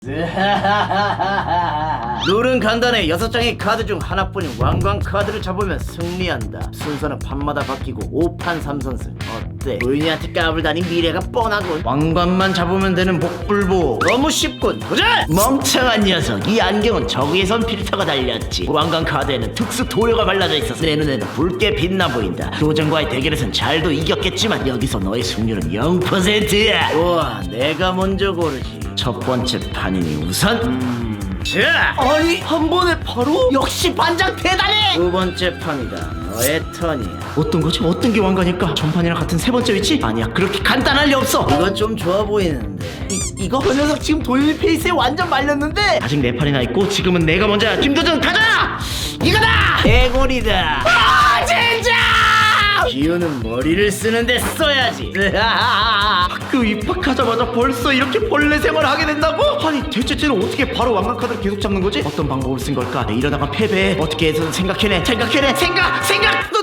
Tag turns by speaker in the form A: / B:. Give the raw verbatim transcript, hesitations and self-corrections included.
A: 룰은 간단해. 여섯 장의 카드 중 하나뿐인 왕관 카드를 잡으면 승리한다. 순서는 판마다 바뀌고 오 판 삼 선승. 어때? 노인이한테 까불다니 미래가 뻔하군. 왕관만 잡으면 되는 복불복. 너무 쉽군. 도전! 멍청한 녀석. 이 안경은 저기에선 필터가 달렸지. 왕관 카드에는 특수 도료가 발라져 있어서 내 눈에는 붉게 빛나 보인다. 도전과의 대결에선 잘도 이겼겠지만 여기서 너의 승률은 영 퍼센트야. 우와, 내가 먼저 고르지. 첫 번째 판이니 우선 음... 자! 아니 한 번에 바로? 역시 반장 대단해! 두 번째 판이다. 너의 턴이야. 어떤 거지? 어떤 게 왕관일까? 전판이랑 같은 세 번째 위치? 아니야, 그렇게 간단할 리 없어. 이거 좀 좋아 보이는데. 이, 이거? 그 녀석 지금 돌릴 페이스에 완전 말렸는데? 아직 네 판이나 있고 지금은 내가 먼저야. 김도전 가자! 이거다! 개골이다. 아 진짜! 기우는 머리를 쓰는데 써야지. 학교 입학하자마자 벌써 이렇게 벌레 생활을 하게 된다고? 아니 대체 쟤는 어떻게 바로 왕관 카드를 계속 잡는 거지? 어떤 방법을 쓴 걸까? 이러다가 패배. 어떻게 해서든 생각해내 생각해내 생각 생각